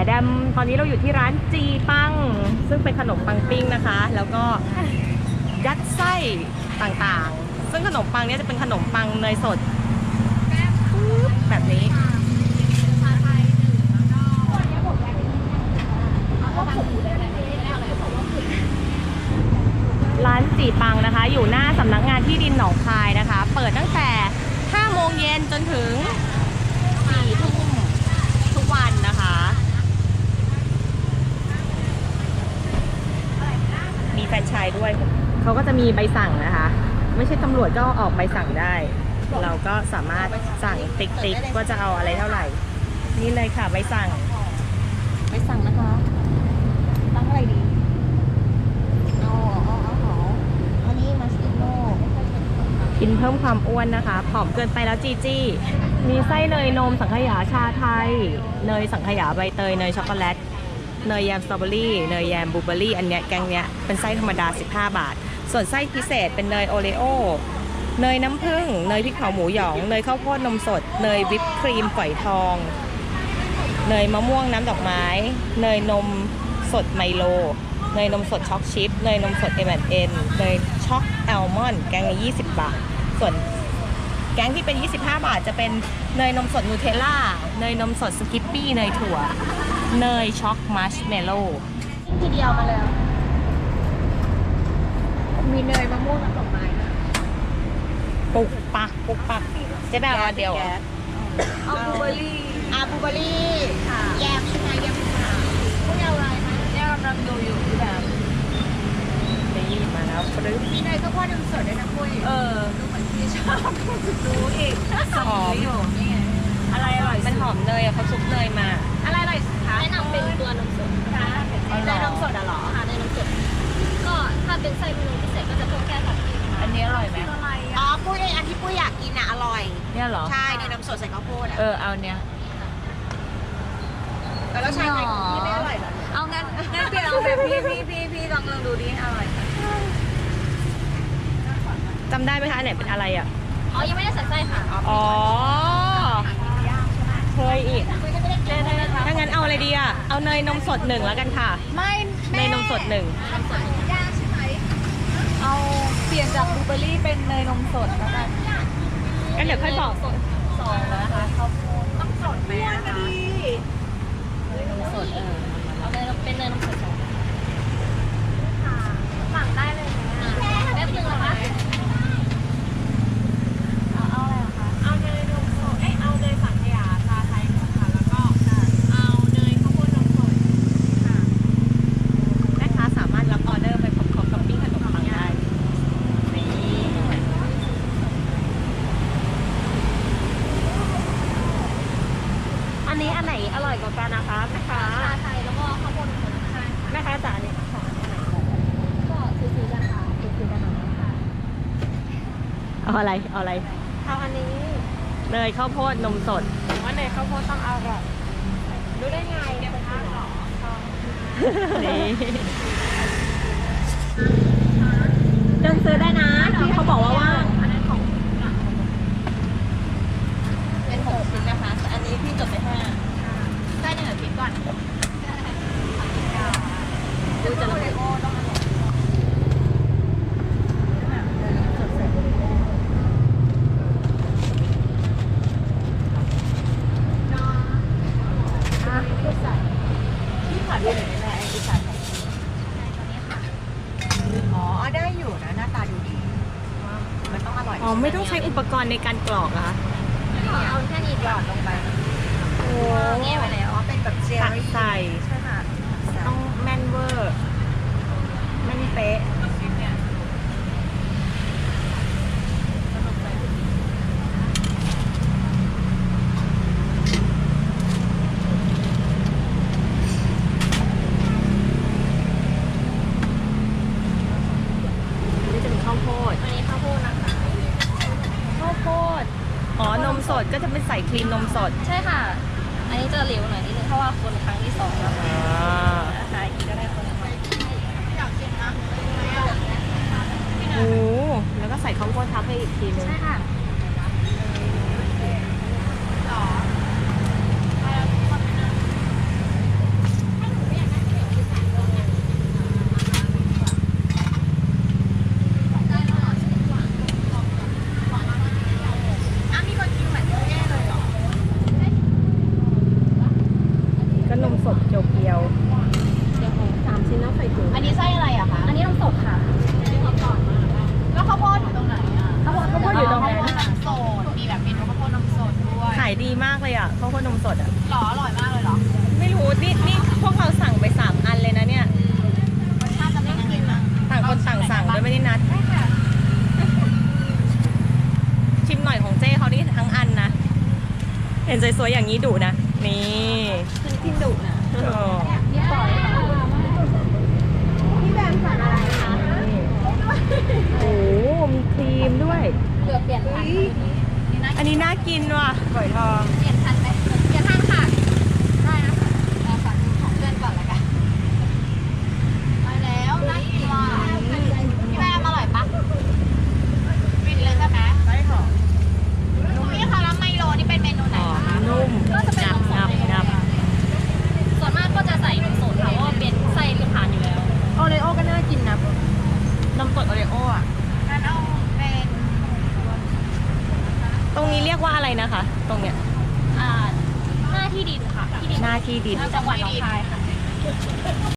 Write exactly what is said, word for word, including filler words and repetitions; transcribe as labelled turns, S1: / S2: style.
S1: แดมตอนนี้เราอยู่ที่ร้านจีปังซึ่งเป็นขนมปังปิ้งนะคะแล้วก็ยัดไส้ต่างๆซึ่งขนมปังนี้จะเป็นขนมปังเนยสดแบบนี้ร้านจีปังนะคะอยู่หน้าสำนักงานที่ดินหนองคายนะคะเปิดตั้งแต่ห้าโมงเย็นจนถึงสี่ทุ่มทุกวันนะคะมีแฟรนไชส์ด้วยเขาก็จะมีใบสั่งนะคะไม่ใช่ตำรวจก็ออกใบสั่งได้เราก็สามารถสั่งติ๊กติ๊กว่าจะเอาอะไรเท่าไหร่นี่เลยค่ะใบสั่งใบสั่งนะคะตั้งอะไรดีเอาเอาเอาเอาอันนี้มัสติโน่กินเพิ่มความอ้วนนะคะผอมเกินไปแล้วจีจี้มีไส้เนยนมสังขยาชาไทยเนยสังขยาใบเตยเนยช็อกโกแลตเนยแยมสตรอเบอรี่เนยแยมบลูเบอรี่อันเนี้ยแกงเนี้ยเป็นไส้ธรรมดาสิบห้าบาทส่วนไส้พิเศษเป็นเนยโอเลโอเนยน้ำผึ้งเนยพริกเผาหมูหยองเนยข้าวโพดนมสดเนยวิปครีมฝอยทองเนยมะม่วงน้ำดอกไม้เนยนมสดไมโลเนยนมสดช็อกชิพเนยนมสด เอ็ม แอนด์ เอ็น เนยช็อกแอลมอนด์แกงละยี่สิบบาทส่วนแกงที่เป็นยี่สิบห้าบาทจะเป็นเนยนมสดนูเทลล่าเนยนมสดสกิปปี้เนยถั่วเนยช็อกมัชเมลโล่ทีเดียวมาเลยมีเนยมะม่วงน้ำดอกไม้นะปุกปักปุกปักเจ๊แบบเดียว
S2: เอาบลูเบอร์รี่
S1: อาบลูเบอร์รี่แยมใช่ไหมแยมค่ะ
S2: พวกอะไรคะเนี่ยกำลังดูอยู่แบบ
S1: นี่มาแล้วปึ๊บ
S2: มีเนยข้าวโพดนมสดด้วยนะคุย
S1: เออ
S2: ดูเหมือนที่ชอบดูอีก
S1: หอม
S2: อยู่นี่อะไรอร่อย
S1: มันหอมเนยเขาซุปเนยมา
S2: อะไรอร่อยสุดคะแนะนำเป็นตัวนมสดค่ะเนยนมสดอะหรอค่ะเนยนมสดก็ถ้าเป็นไส้เมนูพิเศษก็จะเพิ่มแค่แบบ
S1: อันนี้อร่อยไหม
S2: อ๋อปุ้ยอันที่ปุ้ยอยากกินอะอร่อย
S1: เนี่ยหรอ
S2: ใช่เนยนมสดใส่ข้าวโพดอะ
S1: เออเอาเนี้ย
S2: แล้วใช่ไหมที่ไม่อร่อยเหรอเอางั้นงั้นพี่ลองแบบพี่พี่พี่พี่ลองลองดูดิอร่อย
S1: จำได้ไหมคะไหนเป็นอะไรอ่ะ
S2: อ๋อยังไม่ได้ใส่ไส้ค่ะ
S1: อ๋อเคยอีกถ้างั้นเอาอะไรดีอ่ะเอาเนยนมสดหนึ่งแล้วกันค่ะ
S2: ไม่
S1: เนยนมสดหนึ่ง
S2: ย่างใช่ไหมเอาเปลี่ยนจากบลูเบอร์รี่เป็นเนยนมสดแล้วกัน
S1: งั้นเดี๋ยวค่อยบอก
S2: สดสองนะคะข้าวโพดต้องสดไหมนะคะเนยนมสดเออเอาเนยเป็นเนยนมสดสองค่ะสั่งได้เลยนะแป๊บนึงนะคะเอาเอาอะไรคะเอาเนยนมสดเอ้ยเอาเนยสังขยาชาไทยค่ะแล้วก็เอาเนยข้าวโพดนมสดค่ะ
S1: แม่ค้าสามารถรับออเดอร์ไปพร้อมๆกับปิ้งขนมปังได้นี่อันนี้อันไหนอร่อยกว่ากันนะคะแม่ค้า
S2: ชาไทยแล้วก็ข้าวโพดนมสดใช่
S1: แม่ค้าจ๋าเนี่ย
S2: สองอันไหนก็ซื้อๆกันค่ะซื้อๆกันค่ะ
S1: เอาอะไรเอาอะไร
S2: เอาอันนี้
S1: เนยข้าวโพดนมสด
S2: ว่าเนยข้าวโพดต้องอร่อยรู้ได้ไงเนี่ยเป็นข้าวหรอ
S1: นี่เดินซื้อได้นะที่เขาบอกว่าว่าง
S2: อันนั้นของเป็นหกชิ้นนะคะอันนี้พี่จดไปห้าได้หนึ่งอาทิตย์ก่อนดูจะระเบิดโอ้ต้องอร่อยอ๋อได้อยู่นะหน้าตาดูดีมันต้องอร่อย
S1: อ๋อไม่ต้องใช้อุปกรณ์ในการกรอกนะคะ
S2: เอาแค่นี้หยอดลงไป
S1: โอ้
S2: แง่ไปแล้วเป็นแบบเจลลี่
S1: ใส่
S2: ใช่ค่ะ
S1: ต้องแม่นเวอร์แม่นเป๊ะอ๋อนมสดก็จะเป็นใส่ครีมนมสด
S2: ใช่ค่ะอันนี้จะเหลวหน่อยนิดนึงเพราะว่าคนครั้งที่สองแล้วนะคะอีกก็ได้คนละอยากกินนะ
S1: โอ้แล้วก็ใส่ข้าวโพดทับให้อีกทีนึง
S2: ใช่ค่ะ
S1: ดเพียว
S2: สามชิ้นแล้วใส่ถุงอันนี้ไส้อะไรอะคะอันนี้นมสดค่ะแล้วข้าวโพดอยู่ตรงไหนอะ
S1: ๆข้าวโพดข้าวโพดอยู่ตรงนั้น
S2: ข้าวโพดนมสดมีแบบเมนูข้าวโพดนมสดด้วย
S1: ขายดีมากเลยอ่ะข้าวโพดนมสดอ่ะ
S2: หรออร่อยมากเลยเหรอ
S1: ไม่รู้นี่นี่พวกเราสั่งไปสามอันเลยนะเนี่ย
S2: รสชาติจะเป็นยังไงบ้าง
S1: ต่างคนต่างสั่งโดยไม่ได้นัด ชิมหน่อยของเจ้เขานี่ทั้งอันนะ เห็นสวยๆอย่างนี้ดุนะ นี่
S2: คือทิมดุนะ
S1: โอ้
S2: นี่ปล่อยค่ะพี่แบมสั่งอะไรคะ
S1: โอ้มีครีมด้วย
S2: เลือกเปลี่ยนทัน
S1: อันนี้น่ากินว่ะฝอยทอง
S2: เปลี่ยนทันไหมเปลี่ยนทันค่ะ ได้นะคะเราสั่งของเพื่อนก่อนละกันไปแล้วน่ากินว่ะพี่แบมอร่อยปะฟินเลยใช่ไหม
S1: ไส้หอม
S2: พี่คะแล้วไมโลนี่เป็นเมนูไหน
S1: หอม
S2: คะ
S1: นุ่ม
S2: ก็จะเป็น
S1: งั
S2: น
S1: บ
S2: มส
S1: งั
S2: ด
S1: บงับ
S2: ส่วนมากก็จะใส่นมสดค่ะเพราะว่าเป็นไส้ลูกค้าอยู่แล้ว
S1: โอเลโอก็น่ากินนะนมสดโอเลโออ่ะ
S2: งั้นเอาเป็น
S1: ตรงนี้เรียกว่าอะไรนะคะ ตรงเนี้ย
S2: อ่าหน้าที่ดินค่ะที่ดิน
S1: หน้าที่ดิน
S2: จังหวัดหนองคายค่ะ